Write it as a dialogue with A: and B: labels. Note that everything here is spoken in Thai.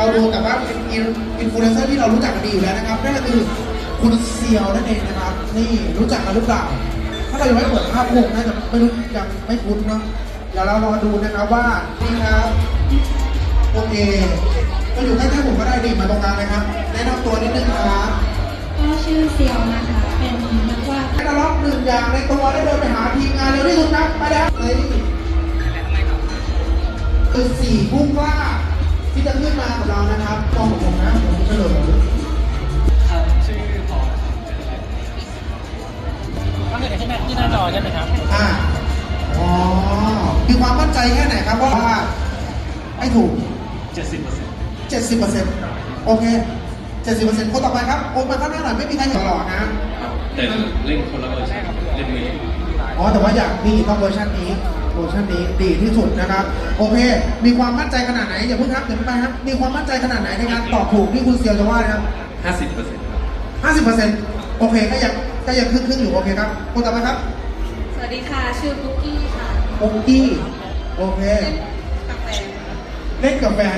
A: ดูแต่ว่าเป็นอินฟลูเอนเซอร์ที่เรารู้จักกันดีอยู่แล้วนะครับนั่นก็คือคุณเซียวนั่นเองนะครับนี่รู้จักกันหรือเปล่าถ้าเรายังไม่เปิดภาพวงน่าจะไม่รู้ยังไม่คุ้นเนาะเดี๋ยวเรารอดูนะครับว่านี่ครับโอเคก็อยู่ใกล้ๆผมก็ได้ดิมาตรงกลางเลยครับแนะนำตัวนิดนึงครับ
B: ก็ชื่อเซียวนะคะ เป็นนักวาด
A: ให้เราล็อกหนึ่งอย่างในตัวได้เดินไปหาทีมงานเร็วที่สุดครับไปแล้วคือ4ผู้กล้าที่จะขึ้นมากับเรานะครับกองของผมนะผมเฉลิม
C: ชื่อพอก็เห็นที่หน้าจอใช่ไหมครับ
A: อ๋อมีความมั่นใจแค่ไหนครับว่าให้ถูก
C: 70%
A: 70%โอเค 70%คนต่อไปครับโอนมาข้างหน้าหน่อยไม่มีใครเห็นตลอดนะ
D: แต่เล่นคนละเวอร์ชันเล่นมือ
A: อ๋อแต่ว่าอยากมีต้องเวอร์ชันนี้ดีที่สุดนะครับโอเค มีความมั่นใจขนาดไหนอย่าเพิ่งครับเดี๋ยวไปครับมีความมั่นใจขนาดไหนในการตอบถูกที่คุณเซียวจะว่านะครับ
D: 50%ครับ
A: 50%โอเคก็ยังครึ่งอยู่โอเคครับคนต่อไปครับ
B: สวัสดีค่ะ ชื่อปุ๊กกี้ค่ะ
A: โอกี้โอเค
B: เป็นกาแฟ
A: เล่นกับแฟน